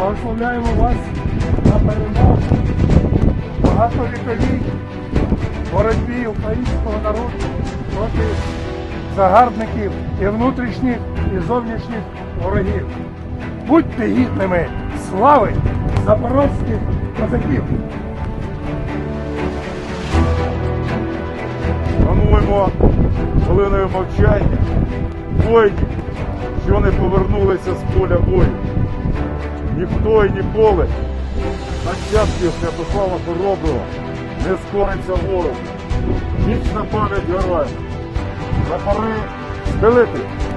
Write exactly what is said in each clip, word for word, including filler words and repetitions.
Благословляємо вас на перемогу багатовіковій боротьбі українського народу проти загарбників і внутрішніх, і зовнішніх ворогів. Будьте гідними слави запорозьких козаків! Шануємо хвилиною мовчання воїнів, що не повернулися з поля бою. Ніхто і ніколи нащадків Святослава Хороброго не скориться ворогу. Вічна пам'ять героям. Прапори схилити.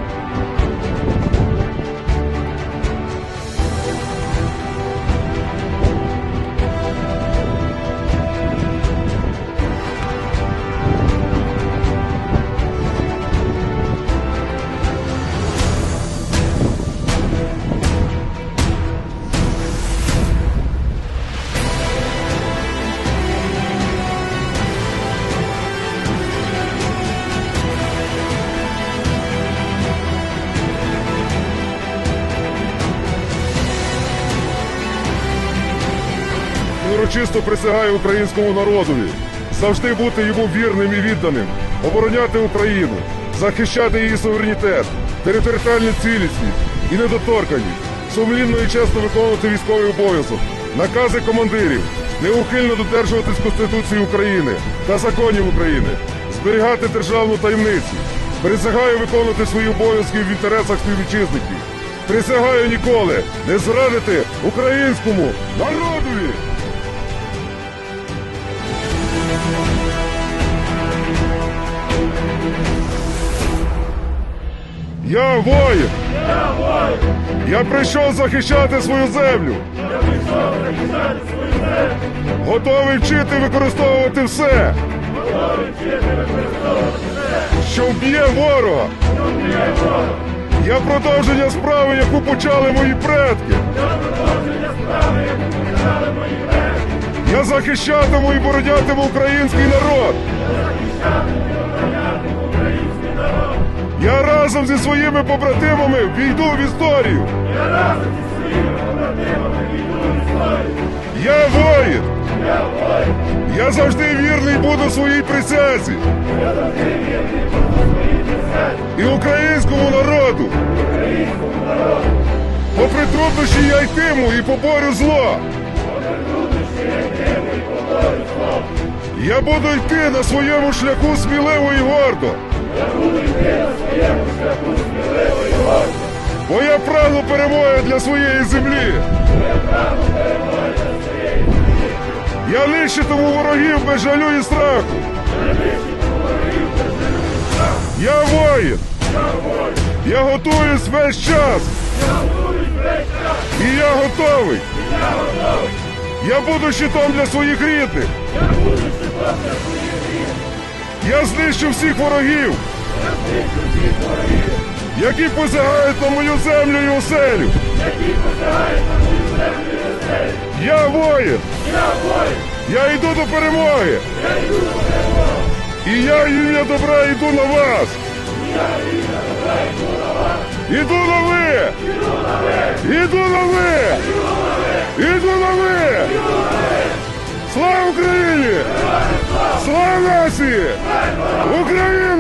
Урочисто присягаю українському народові завжди бути йому вірним і відданим, обороняти Україну, захищати її суверенітет, територіальну цілісність і недоторканність, сумлінно і чесно виконувати військовий обов'язок, накази командирів, неухильно додержуватись Конституції України та законів України, зберігати державну таємницю. Присягаю виконувати свої обов'язки в інтересах співвітчизників. Присягаю ніколи не зрадити українському народові! Я воїн! Я воїн! Я прийшов захищати свою землю! Я прийшов захищати свою землю! Готовий вчити використовувати все! Готовий вчити використовувати все! Що вб'є ворога! Що вб'є ворога! Я продовження справи, яку почали мої предки! Я продовження справи, яку почали мої предки! Я захищатиму і боронятиму український народ! Я захищатиму і оборонятиму український народ! Я разом зі своїми побратимами війду в історію! Я разом зі своїми побратимами війду в історію! Я воїн! Я воїн! Я завжди вірний буду своїй присязі! Я завжди вірний буду своїй присязі! І українському народу! Українському народу! Попри труднощі я йтиму і поборю зло! Попри труднощі я йтиму і поборю зло! Я буду йти на своєму шляху сміливо і гордо! Я буду йти на своєму шляху сміливо і гордо! Бо я прагну перемоги для своєї землі! Бо я прагну перемоги для своєї землі! Я нищитиму ворогів без жалю і страху! Я нищитиму ворогів без жалю і страху! Я воїн! Я воїн! Я готуюсь весь час! Я готуюсь весь час! І я готовий! І я готовий! Я буду щитом для своїх рідних! Я буду щитом для своїх рідних! Я знищу всіх ворогів! Я знищу всіх ворогів! Які посягають на мою землю і оселю! Які посягають на мою землю і оселю! Я воїн! Я воїн! Я йду до перемоги! Я йду до перемоги! І я, ім'я добра, йду на вас! І я, ім'я добра, йду на вас! Іду на ви! Іду на ви! Іду на ви! Іду на ви! Слава Україні! Слава нації! Україна!